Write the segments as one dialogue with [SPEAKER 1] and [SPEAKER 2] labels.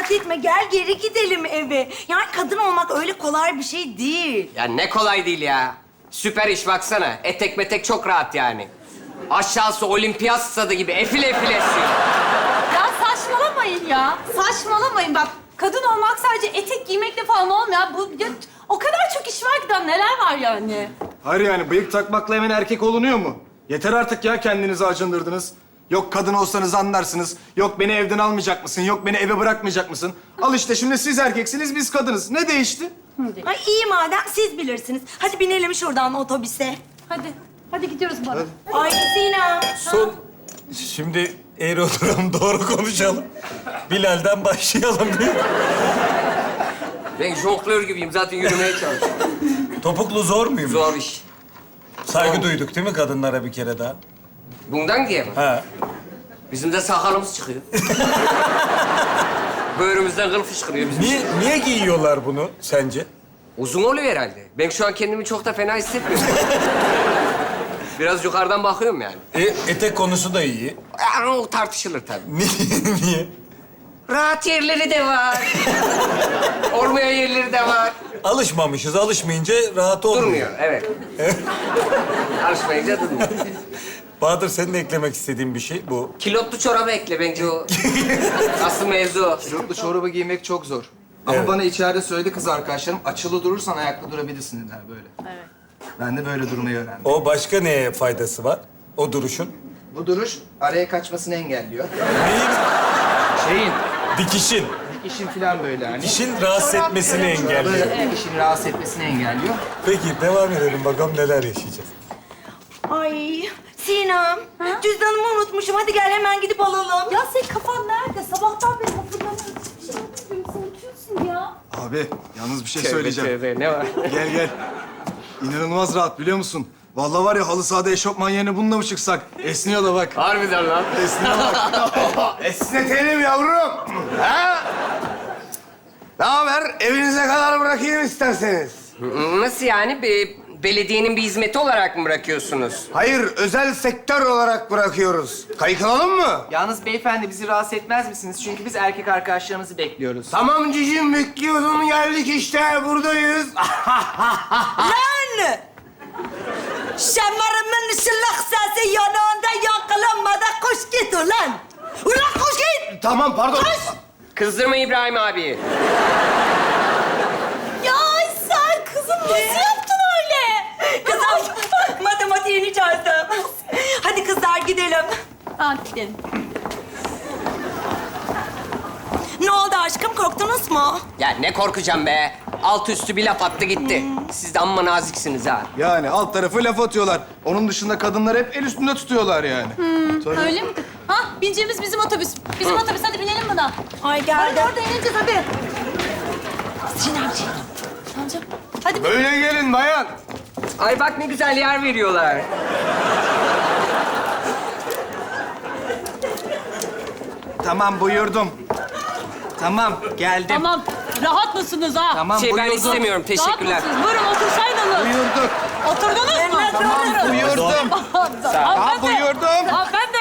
[SPEAKER 1] merak etme. Gel geri gidelim eve. Yani kadın olmak öyle kolay bir şey değil.
[SPEAKER 2] Ya ne kolay değil ya. Süper iş baksana. Etek metek çok rahat yani. Aşağısı olimpiyat stadı gibi efil efil esiyor.
[SPEAKER 3] Ya saçmalamayın ya. Saçmalamayın bak. Kadın olmak sadece etek giymekle falan olmuyor. Bu ya, o kadar çok iş var ki daha neler var yani.
[SPEAKER 4] Hayır yani bıyık takmakla hemen erkek olunuyor mu? Yeter artık ya, kendinizi acındırdınız. Yok kadın olsanız anlarsınız. Yok beni evden almayacak mısın? Yok beni eve bırakmayacak mısın? Al işte şimdi siz erkeksiniz, biz kadınız. Ne değişti?
[SPEAKER 1] Ay iyi madem siz bilirsiniz. Hadi binelim şuradan otobüse.
[SPEAKER 3] Hadi. Hadi gidiyoruz bana.
[SPEAKER 1] Ay Sinem.
[SPEAKER 5] Son... Şimdi eğri oturalım, doğru konuşalım. Bilal'den başlayalım.
[SPEAKER 2] Ben jonglör gibiyim. Zaten yürümeye çalışıyorum.
[SPEAKER 5] Topuklu zor muyum?
[SPEAKER 2] Zor iş.
[SPEAKER 5] Saygı duyduk değil mi kadınlara bir kere daha?
[SPEAKER 2] Bundan diye mi?
[SPEAKER 5] Ha.
[SPEAKER 2] Bizim de sakalımız çıkıyor. Böğrümüzden kıl fışkırıyor bizim.
[SPEAKER 5] Niye giyiyorlar bunu sence?
[SPEAKER 2] Uzun oluyor herhalde. Ben şu an kendimi çok da fena hissetmiyorum. Biraz yukarıdan bakıyorum yani.
[SPEAKER 5] Etek konusu da iyi.
[SPEAKER 2] Yani o tartışılır tabii.
[SPEAKER 5] Niye?
[SPEAKER 2] Rahat yerleri de var. Olmayan yerleri de var.
[SPEAKER 5] Alışmamışız. Alışmayınca rahat olmuyor.
[SPEAKER 2] Durmuyor, evet. Alışmayınca durmuyor.
[SPEAKER 5] Bahadır, senin de eklemek istediğin bir şey bu.
[SPEAKER 2] Kilotlu çorabı ekle bence o. Asıl mevzu o.
[SPEAKER 6] Kilotlu çorabı giymek çok zor. Ama
[SPEAKER 5] Evet.
[SPEAKER 6] bana içeride söyledi kız arkadaşlarım, açılı durursan ayakta durabilirsin dediler böyle. Evet. Ben de böyle durmayı öğrendim.
[SPEAKER 5] O başka neye faydası var? O duruşun.
[SPEAKER 6] Bu duruş araya kaçmasını engelliyor.
[SPEAKER 5] Neyin?
[SPEAKER 6] Şeyin,
[SPEAKER 5] Dikişin.
[SPEAKER 6] dikişin falan böyle hani.
[SPEAKER 5] Dikişin rahatsız etmesini engelliyor.
[SPEAKER 6] Böyle dikişin rahatsız etmesini engelliyor.
[SPEAKER 5] Peki devam edelim bakalım neler yaşayacağız.
[SPEAKER 1] Ay Sinem. Cüzdanımı unutmuşum. Hadi gel hemen gidip alalım.
[SPEAKER 3] Ya senin kafan nerede? Sabahtan beri hatırlamıyorum. Hiçbir şey hatırlamıyorum. Sen unutuyorsun ya.
[SPEAKER 4] Abi yalnız bir şey
[SPEAKER 2] Tövbe,
[SPEAKER 4] söyleyeceğim.
[SPEAKER 2] tövbe, ne var?
[SPEAKER 4] Gel gel. İnanılmaz rahat biliyor musun? Vallahi var ya halı sahada eşofman yerine bununla mı çıksak? Esniyor da bak.
[SPEAKER 2] Harbiden lan.
[SPEAKER 4] Esniyor bak.
[SPEAKER 7] Esnetelim yavrum. Ha? Ne haber? Evinize kadar bırakayım isterseniz.
[SPEAKER 2] Nasıl yani? Belediyenin bir hizmeti olarak mı bırakıyorsunuz?
[SPEAKER 7] Hayır, özel sektör olarak bırakıyoruz. Kayıklanalım mı?
[SPEAKER 6] Yalnız beyefendi bizi rahatsız etmez misiniz? Çünkü biz erkek arkadaşlarımızı bekliyoruz.
[SPEAKER 7] Tamam cicim, bekliyordum. Geldik işte, buradayız.
[SPEAKER 1] Lan! Şamarımın ışıllık sesi yanağında yankılanmadan koş git ulan! Ulan koş git!
[SPEAKER 7] Tamam, pardon.
[SPEAKER 2] Kızdırma İbrahim abi.
[SPEAKER 1] Ya sen kızım nasıl yaptın öyle? Kızım matematiğini çözdüm. Hadi kızlar gidelim.
[SPEAKER 3] Hadi gidelim.
[SPEAKER 1] Ne oldu aşkım korktunuz mu?
[SPEAKER 2] Ya ne korkacağım be. Alt üstü bir laf attı gitti. Siz de amma naziksiniz ha.
[SPEAKER 4] Yani alt tarafı laf atıyorlar. Onun dışında kadınlar hep el üstünde tutuyorlar yani. Tabii.
[SPEAKER 3] Öyle mi? Ha, bineceğimiz bizim otobüs. Bizim otobüs. Hadi binelim buna.
[SPEAKER 1] Ay
[SPEAKER 3] Hadi
[SPEAKER 1] geldim.
[SPEAKER 3] orada ineceğiz hadi. Sinemciğim. Tamam. Hadi.
[SPEAKER 7] Böyle gelin bayan.
[SPEAKER 2] Ay bak ne güzel yer veriyorlar.
[SPEAKER 4] Tamam buyurdum. Tamam geldim.
[SPEAKER 3] Tamam. Rahat mısınız ha?
[SPEAKER 4] Tamam
[SPEAKER 2] Ben
[SPEAKER 4] buyurdum.
[SPEAKER 2] istemiyorum. Teşekkürler.
[SPEAKER 3] Rahat mısınız? Buyurun otursaydınız.
[SPEAKER 4] Buyurduk.
[SPEAKER 3] Oturdunuz mu? Tamam.
[SPEAKER 4] Buyurdum.
[SPEAKER 3] Hanımefendi.
[SPEAKER 4] buyurdum.
[SPEAKER 3] Hanımefendi.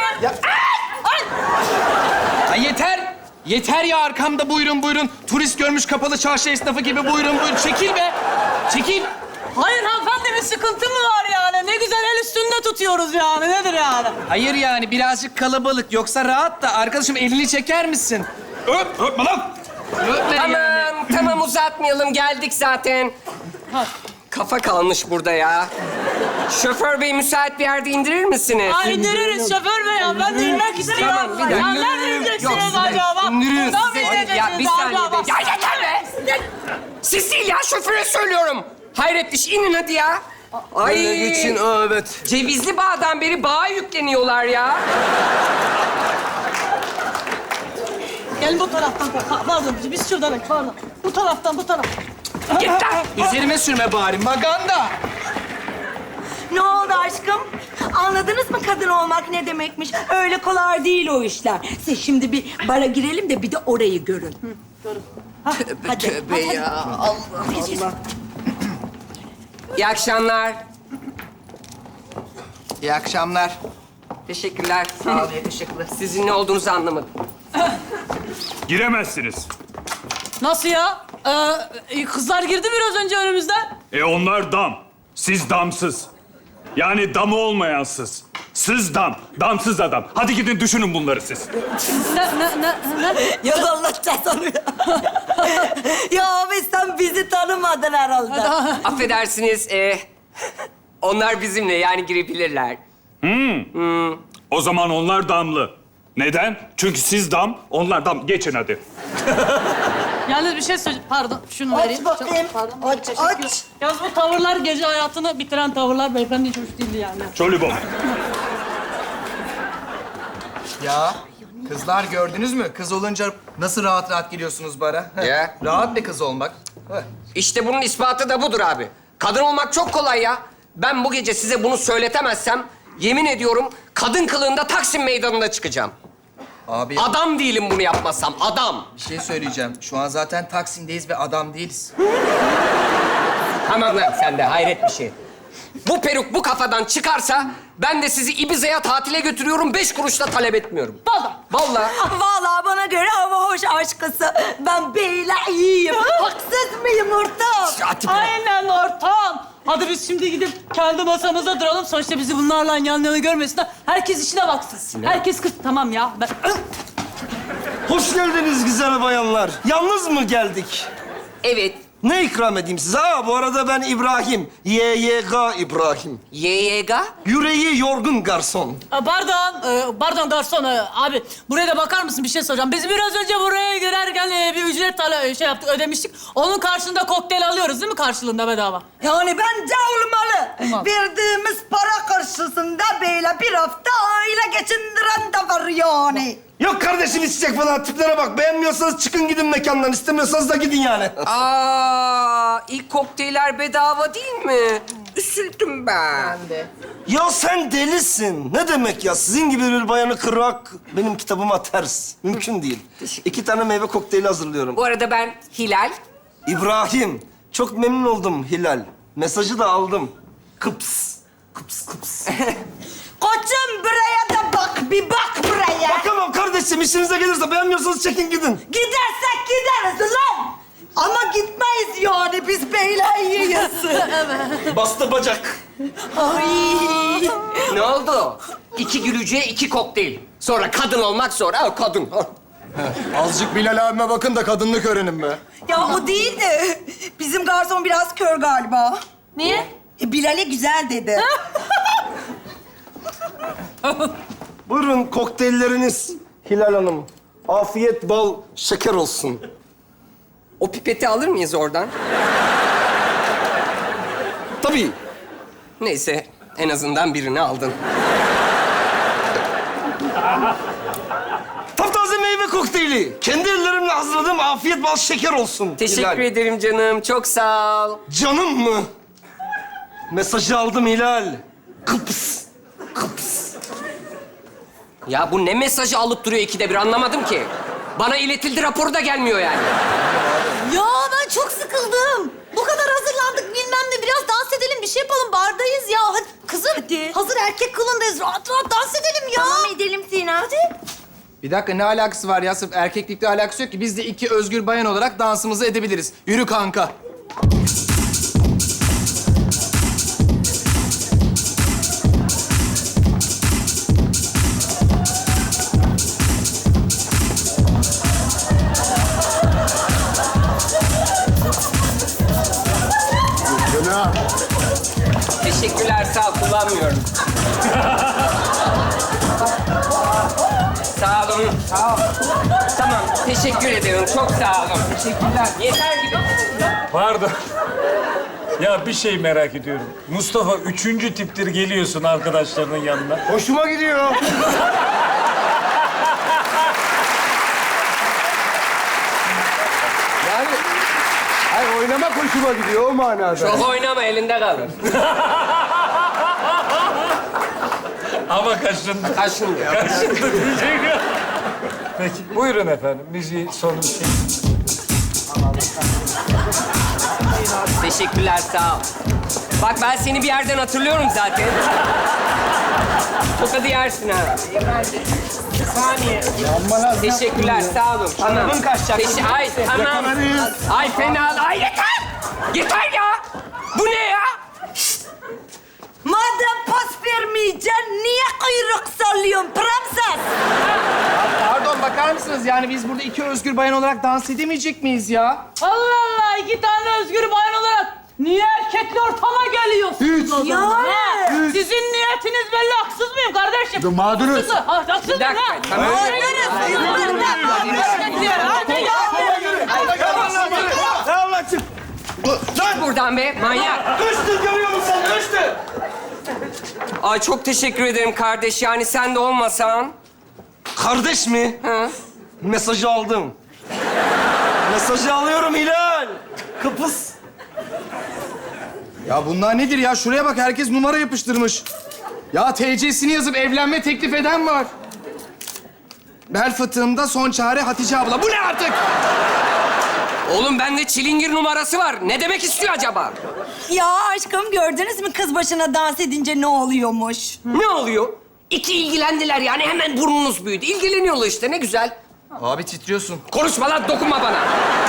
[SPEAKER 8] Ay yeter! Yeter ya arkamda buyurun buyurun. Turist görmüş kapalı çarşı esnafı gibi buyurun buyurun. Çekil be! Çekil!
[SPEAKER 3] Hayır hanımefendi bir sıkıntı mı var yani? Ne güzel el üstünde tutuyoruz yani. Nedir yani?
[SPEAKER 8] Hayır yani birazcık kalabalık. Yoksa rahat da arkadaşım elini çeker misin? Öpme lan! Öpme yani.
[SPEAKER 2] Tamam uzatmayalım. Geldik zaten. Kafa kalmış burada ya. Şoför bey müsait bir yerde indirir misiniz?
[SPEAKER 3] Ay indiririz şoför bey ya. Ben de inmek istiyorum.
[SPEAKER 2] Tamam, bir dakika.
[SPEAKER 3] Ya nereden ineceksiniz acaba?
[SPEAKER 2] İndiririz.
[SPEAKER 3] Buradan mı ineceksiniz
[SPEAKER 2] Ya bir saniye
[SPEAKER 3] acaba?
[SPEAKER 2] be. Ya yeter be! Siz değil ya şoföre söylüyorum. Hayret iş inin hadi ya. Ay.
[SPEAKER 4] Evet.
[SPEAKER 2] Cevizli Bağ'dan beri bağa yükleniyorlar ya.
[SPEAKER 3] Gel bu taraftan. Pardon biz şuradan pardon. Bu taraftan bu taraf.
[SPEAKER 2] Yeter.
[SPEAKER 8] Üzerime sürme bari maganda.
[SPEAKER 1] Ne oldu aşkım? Anladınız mı kadın olmak ne demekmiş? Öyle kolay değil o işler. Siz şimdi bir bara girelim de bir de orayı görün. Hadi.
[SPEAKER 2] Tövbe ya. Allah Allah. İyi akşamlar.
[SPEAKER 6] İyi akşamlar.
[SPEAKER 2] Teşekkürler.
[SPEAKER 6] Sağ ol, teşekkürler.
[SPEAKER 2] Sizin ne olduğunuzu anlamadım.
[SPEAKER 9] Giremezsiniz. Nasıl ya? Kızlar girdi biraz önce önümüzden.
[SPEAKER 10] Onlar dam. Siz damsız. Yani damı olmayan sız. Sız dam, damsız adam. Hadi gidin düşünün bunları siz.
[SPEAKER 9] Ne?
[SPEAKER 1] Ya anlatacağız onu ya. Ya abi sen bizi tanımadın herhalde.
[SPEAKER 2] Affedersiniz, onlar bizimle yani girebilirler.
[SPEAKER 10] O zaman onlar damlı. Neden? Çünkü siz dam, onlar dam. Geçin hadi.
[SPEAKER 9] Yalnız bir şey söyleyeceğim. Pardon, şunu vereyim.
[SPEAKER 1] bakayım.
[SPEAKER 9] Pardon.
[SPEAKER 1] Aç,
[SPEAKER 9] Teşekkür.
[SPEAKER 1] aç.
[SPEAKER 9] Yalnız bu tavırlar gece hayatını bitiren tavırlar. Beyefendi hiç hoş değildi yani.
[SPEAKER 10] Çolibom.
[SPEAKER 6] Ya kızlar gördünüz mü? Kız olunca nasıl rahat rahat giriyorsunuz bara? Heh.
[SPEAKER 2] Ya.
[SPEAKER 6] Rahat bir kız olmak. Heh.
[SPEAKER 2] İşte bunun ispatı da budur abi. Kadın olmak çok kolay ya. Ben bu gece size bunu söyletemezsem yemin ediyorum kadın kılığında Taksim Meydanı'nda çıkacağım.
[SPEAKER 6] Abi
[SPEAKER 2] Adam değilim bunu yapmazsam, adam.
[SPEAKER 6] bir şey söyleyeceğim. Şu an zaten Taksim'deyiz ve adam değiliz.
[SPEAKER 2] Tamam lan sen de hayret bir şey. Bu peruk bu kafadan çıkarsa ben de sizi Ibiza'ya tatile götürüyorum, 5 kuruş da talep etmiyorum.
[SPEAKER 9] Vallahi.
[SPEAKER 2] Vallahi.
[SPEAKER 1] Vallahi bana göre hava hoş aşkısı. Ben beyle iyiyim. Haksız mıyım ortam?
[SPEAKER 9] Aynen ortam. Hadi biz şimdi gidip kendi masamıza duralım. Sonuçta bizi bunlarla yan yana görmesinler. Herkes işine baksın. Herkes kız. Tamam ya. Ben...
[SPEAKER 11] Hoş geldiniz güzel bayanlar. Yalnız mı geldik?
[SPEAKER 2] Evet.
[SPEAKER 11] Ne ikram edeyim size? Ha, bu arada ben İbrahim. YYG İbrahim.
[SPEAKER 2] YYG?
[SPEAKER 11] Yüreği yorgun garson.
[SPEAKER 9] Pardon garson. Abi buraya da bakar mısın? Bir şey soracağım. Biz biraz önce buraya girerken bir ücret yaptık, ödemiştik. Onun karşılığında kokteyl alıyoruz değil mi karşılığında bedava?
[SPEAKER 1] Yani bence olmalı.
[SPEAKER 9] Olmaz.
[SPEAKER 1] Verdiğimiz para karşısında böyle bir hafta aile geçindiren de var yani.
[SPEAKER 11] Yok kardeşim içecek falan tiplere bak. Beğenmiyorsanız çıkın gidin mekandan. İstemiyorsanız da gidin yani.
[SPEAKER 2] İlk kokteyller bedava değil mi? Üzüldüm ben.
[SPEAKER 11] Ya sen delisin. Ne demek ya? Sizin gibi bir bayanı kırmak benim kitabıma ters. Mümkün değil. 2 tane meyve kokteyli hazırlıyorum.
[SPEAKER 2] Bu arada ben Hilal.
[SPEAKER 11] İbrahim. Çok memnun oldum Hilal. Mesajı da aldım. Kıps. Kıps kıps.
[SPEAKER 1] Koçum buraya da bak, bir bak buraya.
[SPEAKER 11] Bakamam kardeşim. İşinize gelirse beğenmiyorsanız çekin gidin.
[SPEAKER 1] Gidersek gideriz lan. Ama gitmeyiz yani, biz beyler
[SPEAKER 11] Bastı bacak.
[SPEAKER 1] Ay.
[SPEAKER 2] Ne oldu? 2 gülücüye 2 kokteyl. Sonra kadın olmak zor. Ha, kadın.
[SPEAKER 4] Azıcık Bilal abime bakın da kadınlık öğrenin be.
[SPEAKER 1] Ya o değil de bizim garson biraz kör galiba.
[SPEAKER 3] Niye?
[SPEAKER 1] Bilal'e güzel dedi.
[SPEAKER 11] Buyurun kokteylleriniz Hilal Hanım. Afiyet bal şeker olsun.
[SPEAKER 2] O pipeti alır mıyız oradan?
[SPEAKER 11] Tabii.
[SPEAKER 2] Neyse, en azından birini aldın.
[SPEAKER 11] Taptaze meyve kokteyli. Kendi ellerimle hazırladığım afiyet bal şeker olsun.
[SPEAKER 2] Teşekkür
[SPEAKER 11] Hilal.
[SPEAKER 2] ederim canım, çok sağ ol.
[SPEAKER 11] Canım mı? Mesajı aldım Hilal. Kıps. Kıps.
[SPEAKER 2] Ya bu ne mesajı alıp duruyor 2'de bir anlamadım ki. Bana iletildi raporu da gelmiyor yani.
[SPEAKER 3] Ya ben çok sıkıldım. Bu kadar hazırlandık bilmem ne. Biraz dans edelim, bir şey yapalım. Bardayız ya. Hadi kızım.
[SPEAKER 1] Hadi.
[SPEAKER 3] Hazır erkek kılındayız. Rahat rahat dans edelim ya.
[SPEAKER 1] Tamam edelim Sina. Hadi.
[SPEAKER 6] Bir dakika ne alakası var ya? Sırf erkeklikle alakası yok ki. Biz de 2 özgür bayan olarak dansımızı edebiliriz. Yürü kanka.
[SPEAKER 2] Teşekkürler, sağ ol, kullanmıyorum. Sağ olun. Sağ ol. Tamam, teşekkür ederim. Çok sağ olun. Teşekkürler. Yeter gibi.
[SPEAKER 5] Pardon. Ya bir şey merak ediyorum. Mustafa 3. tiptir geliyorsun arkadaşlarının yanına.
[SPEAKER 11] Hoşuma gidiyor.
[SPEAKER 4] Yani hayır, oynamak hoşuma gidiyor o manada.
[SPEAKER 2] Çok oynama, elinde kalır.
[SPEAKER 5] Ama kaşındı.
[SPEAKER 2] Kaşındı.
[SPEAKER 5] Kaşındı diyecek. Peki buyurun efendim. Müziği sonun şey.
[SPEAKER 2] Teşekkürler, sağ ol. Bak ben seni bir yerden hatırlıyorum zaten. Tokadı yersin ha. Saniye. Teşekkürler, sağ olun. Tamam.
[SPEAKER 6] Arabın kaçacak.
[SPEAKER 2] Ay, tamam. Ay fena. Ay yeter! Yeter ya! Bu ne ya?
[SPEAKER 1] Madem pas vermeyeceksin, niye kuyruk sallıyorsun prenses?
[SPEAKER 6] Pardon, bakar mısınız? Yani biz burada iki özgür bayan olarak dans edemeyecek miyiz ya?
[SPEAKER 9] Allah Allah, 2 tane özgür bayan olarak niye erkekli ortama geliyorsunuz o zaman?
[SPEAKER 1] Yani.
[SPEAKER 9] Ha? Sizin niyetiniz belli, haksız mıyım kardeşim?
[SPEAKER 7] Mağduruz.
[SPEAKER 9] Haksız mı? Haksız
[SPEAKER 2] Bir
[SPEAKER 9] mıyım
[SPEAKER 2] dakika,
[SPEAKER 9] ha?
[SPEAKER 2] tamam. Git buradan be, manyak.
[SPEAKER 11] Üstü görüyor musun? Üstü.
[SPEAKER 2] Ay çok teşekkür ederim kardeş. Yani sen de olmasan.
[SPEAKER 11] Kardeş mi?
[SPEAKER 2] Hı?
[SPEAKER 11] Mesajı aldım. Mesajı alıyorum Hilal. Kıpız.
[SPEAKER 6] Ya bunlar nedir ya? Şuraya bak, herkes numara yapıştırmış. Ya TC'sini yazıp evlenme teklif eden var. Bel fıtığımda son çare Hatice abla. Bu ne artık?
[SPEAKER 2] Oğlum bende çilingir numarası var. Ne demek istiyor acaba?
[SPEAKER 1] Ya aşkım gördünüz mü kız başına dans edince ne oluyormuş?
[SPEAKER 2] Ne oluyor? İki ilgilendiler yani hemen burnunuz büyüdü. İlgileniyorlar işte ne güzel.
[SPEAKER 6] Abi titriyorsun.
[SPEAKER 2] Konuşma lan, dokunma bana.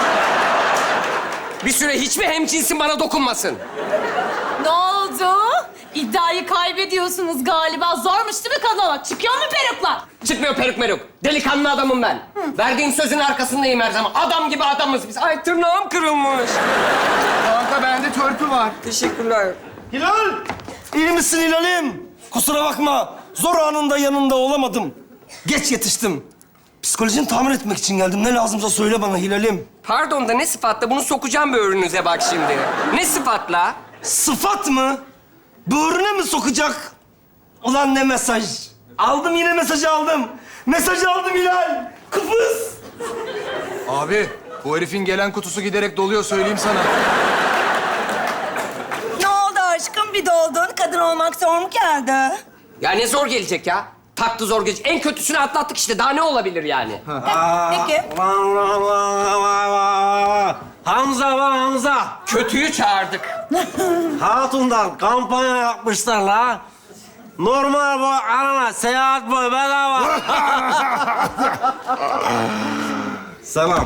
[SPEAKER 2] Bir süre hiçbir hemcinsin bana dokunmasın.
[SPEAKER 3] Ne oldu? İddiayı kaybediyorsunuz galiba. Zormuş değil mi kadın olmak? Çıkıyor mu peruklar?
[SPEAKER 2] Çıkmıyor peruk meruk. Delikanlı adamım ben. Verdiğim sözün arkasındayım her zaman. Adam gibi adamız biz. Ay tırnağım kırılmış.
[SPEAKER 6] Kanka bende törpü var.
[SPEAKER 2] Teşekkürler.
[SPEAKER 11] Hilal! İyi misin Hilal'im? Kusura bakma. Zor anında yanında olamadım. Geç yetiştim. Psikolojini tamir etmek için geldim. Ne lazımsa söyle bana Hilal'im.
[SPEAKER 2] Pardon da ne sıfatla? Bunu sokacağım böğrünüze bak şimdi. Ne sıfatla?
[SPEAKER 11] Sıfat mı? Böğrüne mi sokacak? Ulan ne mesaj? Aldım yine mesajı aldım. Mesajı aldım Hilal. Kıpız.
[SPEAKER 6] Abi bu herifin gelen kutusu giderek doluyor, söyleyeyim sana.
[SPEAKER 1] Ne oldu aşkım bir doldun? Kadın olmak zor mu geldi?
[SPEAKER 2] Ya ne zor gelecek ya? Taktı zor gelecek. En kötüsünü atlattık işte. Daha ne olabilir yani?
[SPEAKER 1] Peki.
[SPEAKER 11] Hamza var Hamza.
[SPEAKER 2] Kötüyü çağırdık.
[SPEAKER 11] Hatun'dan kampanya yapmışlar la. Normal boy arana, seyahat boy bedava. Selam.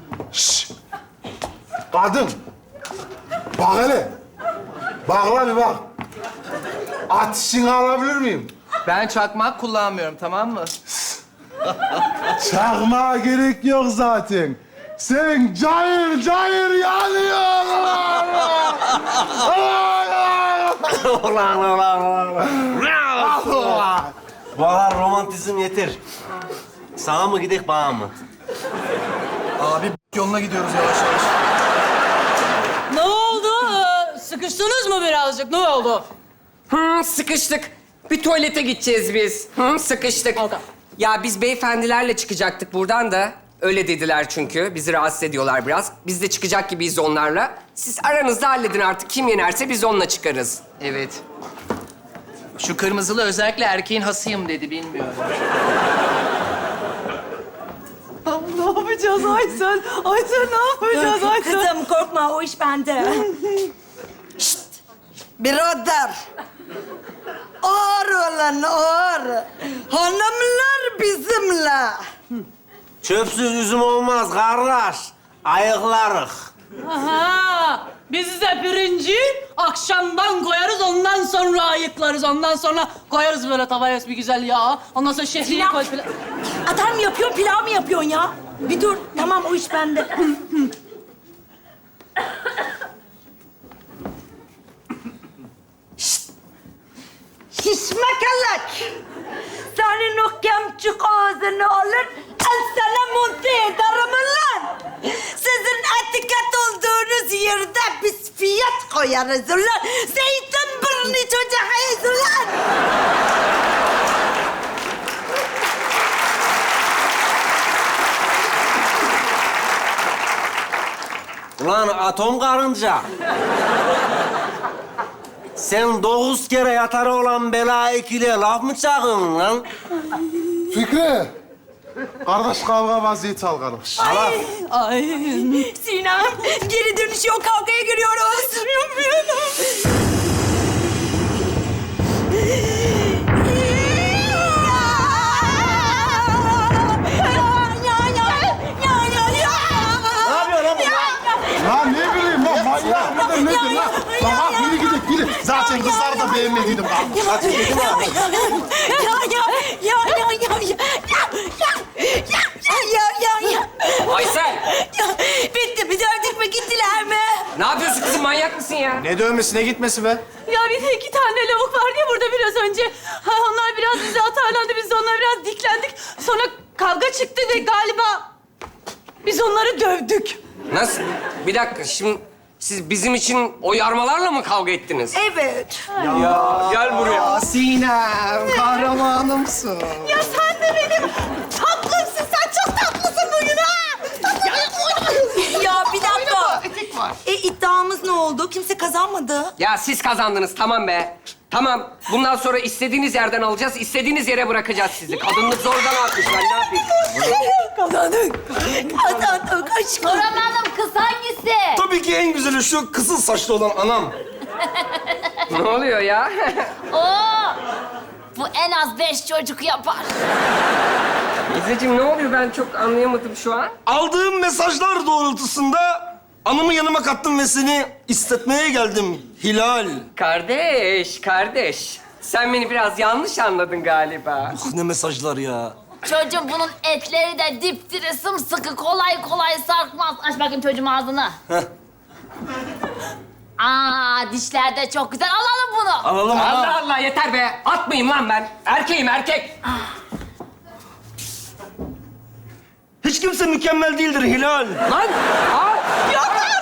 [SPEAKER 7] Kadın. Bak hele. Bak lan bir bak. Ateşini alabilir miyim?
[SPEAKER 6] Ben çakmak kullanmıyorum, tamam mı?
[SPEAKER 7] Çakmağa gerek yok zaten. Sen cayır cayır yanıyorsun.
[SPEAKER 11] Bahar romantizm yeter. Sağa mı gidek bağa mı?
[SPEAKER 6] Abi yoluna gidiyoruz yavaş yavaş.
[SPEAKER 9] Ne oldu? Sıkıştınız mı birazcık? Ne oldu?
[SPEAKER 2] Sıkıştık. Bir tuvalete gideceğiz biz. Sıkıştık.
[SPEAKER 9] Oldu.
[SPEAKER 2] Ya biz beyefendilerle çıkacaktık buradan da. Öyle dediler çünkü. Bizi rahatsız ediyorlar biraz. Biz de çıkacak gibiyiz onlarla. Siz aranızda halledin artık. Kim yenerse biz onunla çıkarız.
[SPEAKER 6] Evet. Şu kırmızılı özellikle erkeğin hasıyım dedi, bilmiyorum.
[SPEAKER 9] Ne yapacağız Aysel? Aysel ne yapacağız Aysel?
[SPEAKER 1] Kızım korkma o iş bende. Şşt! Birader. Ağır olan ağır. Hanımlar bizimle.
[SPEAKER 11] Çöpsüz üzüm olmaz kardeş. Ayıklarık.
[SPEAKER 9] Aha! Biz size pirinci akşamdan koyarız, ondan sonra ayıklarız. Ondan sonra koyarız böyle tavaya bir güzel yağ. Ondan sonra şehriye
[SPEAKER 1] Pilav.
[SPEAKER 9] koy falan.
[SPEAKER 1] Atar mı yapıyorsun, pilav mı yapıyorsun ya? Bir dur, tamam o iş bende. Şşt! Şişmekelek! Senin o kemçük ağzını alır, sana monte ederim lan! Sizin etiket olduğunuz yerde biz fiyat koyarız ulan! Zeytinburnu çocuğuyuz ulan!
[SPEAKER 11] Ulan atom karınca. Sen 9 kere yatarı olan bela ikiliye laf mı çakıyorsun lan?
[SPEAKER 7] Fikri. Kardeş kavga vaziyeti al kardeş.
[SPEAKER 9] Ay.
[SPEAKER 1] Sinem, geri dönüş yok, kavgaya giriyoruz.
[SPEAKER 7] kızlar da beğenmediydim.
[SPEAKER 2] Aysel!
[SPEAKER 1] Bitti, bir dövdük mü gittiler mi?
[SPEAKER 2] Ne yapıyorsun kızım? Manyak mısın ya?
[SPEAKER 4] Ne dövmesi, ne gitmesi be?
[SPEAKER 3] Ya bir de 2 tane lavuk vardı ya burada biraz önce. Ha, onlar biraz bize atarlandı, biz de onlara biraz diklendik. Sonra kavga çıktı ve galiba biz onları dövdük.
[SPEAKER 2] Nasıl? Bir dakika, şimdi siz bizim için o yarmalarla mı kavga ettiniz?
[SPEAKER 1] Evet.
[SPEAKER 2] Gel buraya.
[SPEAKER 6] Sinem, kahramanımsın.
[SPEAKER 3] Ya sen de benim tatlımsın, sen çok tatlısın bugün ha!
[SPEAKER 1] Ya bir dakika. İddiamız ne oldu? Kimse kazanmadı.
[SPEAKER 2] Ya siz kazandınız, tamam be. Tamam, bundan sonra istediğiniz yerden alacağız, istediğiniz yere bırakacağız sizi. Kadınlık zordan atmış, ben ne yapayım?
[SPEAKER 1] Kazandık. Kazandık aşkım.
[SPEAKER 3] Hanım kız hangisi?
[SPEAKER 11] Tabii ki en güzeli şu kızıl saçlı olan anam.
[SPEAKER 2] Ne oluyor ya?
[SPEAKER 3] Oo! Bu en az 5 çocuk yapar.
[SPEAKER 2] İzzeciğim ne oluyor? Ben çok anlayamadım şu an.
[SPEAKER 11] Aldığım mesajlar doğrultusunda anımı yanıma kattım ve seni istetmeye geldim Hilal.
[SPEAKER 2] Kardeş. Sen beni biraz yanlış anladın galiba.
[SPEAKER 11] Ne mesajlar ya.
[SPEAKER 3] Çocuğum bunun etleri de dipdiri sımsıkı, kolay kolay sarkmaz. Aç bakayım çocuğum ağzını. Aa, dişler de çok güzel. Alalım bunu.
[SPEAKER 11] Alalım ana.
[SPEAKER 2] Allah Allah, yeter be. Atmayayım lan ben. Erkeğim, erkek.
[SPEAKER 11] Hiç kimse mükemmel değildir Hilal.
[SPEAKER 2] Lan! Al!
[SPEAKER 3] Yok